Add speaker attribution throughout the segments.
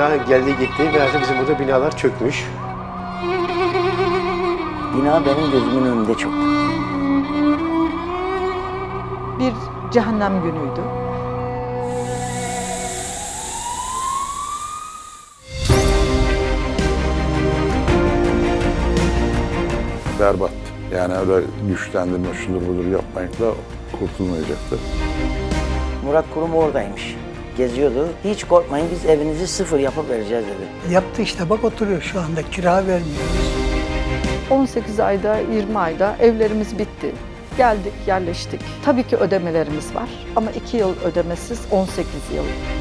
Speaker 1: daha geldi gitti. Biraz bizim burada binalar çökmüş.
Speaker 2: Bina benim gözümün önünde çöktü.
Speaker 3: Bir cehennem günüydü.
Speaker 4: Berbat. Yani öyle güçlendirme, şudur budur yapmakla kurtulmayacaktı.
Speaker 2: Murat Kurum oradaymış. Geziyordu. Hiç korkmayın, biz evinizi sıfır yapıp vereceğiz dedi.
Speaker 5: Yaptı işte, bak oturuyor şu anda, kira vermiyoruz.
Speaker 3: 18 ayda, 20 ayda evlerimiz bitti. Geldik, yerleştik. Tabii ki ödemelerimiz var ama 2 yıl ödemesiz 18 yıl.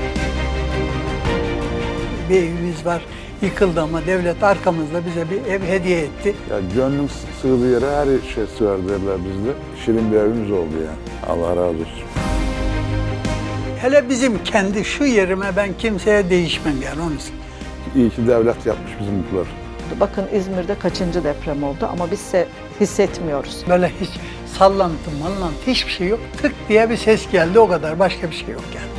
Speaker 5: Bir evimiz var, yıkıldı ama devlet arkamızda bize bir ev hediye etti.
Speaker 4: Ya gönlüm sığdığı yere her şey sığar derler bizde. Şirin bir evimiz oldu yani. Allah razı olsun.
Speaker 5: Hele bizim kendi şu yerime ben kimseye değişmem yani onun için.
Speaker 4: İyi ki devlet yapmış bizimkiler.
Speaker 3: Bakın İzmir'de kaçıncı deprem oldu ama biz hissetmiyoruz.
Speaker 5: Böyle hiç sallantı, mallantı hiçbir şey yok. Tık diye bir ses geldi, o kadar, başka bir şey yok yani.